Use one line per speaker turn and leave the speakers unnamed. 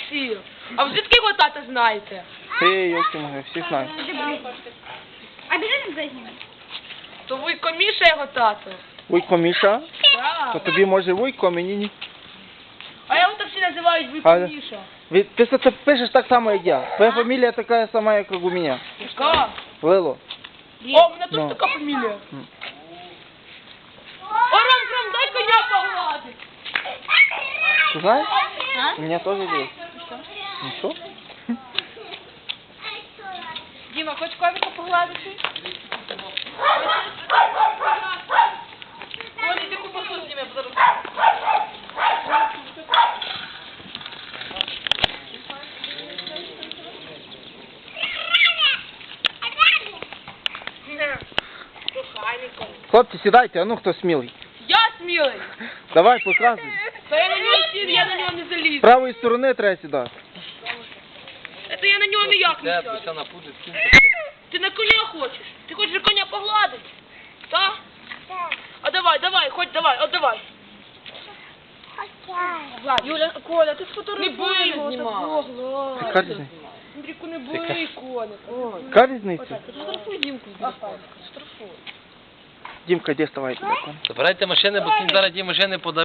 всі. А ви звідки його тата знаєте?
Ти, йолки моги, всі знають.
А біжи нам зайняли.
То Вуйко Міша його тато.
Вуйко Міша?
Так.
То тобі може Вуйко, а мені ні.
А його так всі називають Вуйко
Але-
Міша.
Ти це пишеш так само, як я. Твоя фамілія така сама, як у мене.
Яка?
Лило.
О, у мене
Ну.
тут така фамілія. О, Ром, дай коня погладить.
Ти знаєш?
А?
У мене теж є. Ну що?
Діма, хоч ковіка погладити? Оля, іди кубасу зніми, зараз.
Хлопці, сідайте, а ну хто смілий.
Я смілий.
Давай, показуй.
Та я на нього сів, я на нього не
З
заліз.
правої сторони треба сідати.
Це я на нього ніяк не сяду. Ти на коня хочеш? Ти хочеш коня погладити? Так? А давай, хоч давай, от давай. Юля, Коля, ти сфотографуй його, такого гладь.
Яка різниця?
Андрійку, не бий коника.
Яка різниця?
Сфотографуй Дімку. Сфотографуй.
Дімка, де ставай?
Забирайте машини, бо кінь зараз ті машини подав.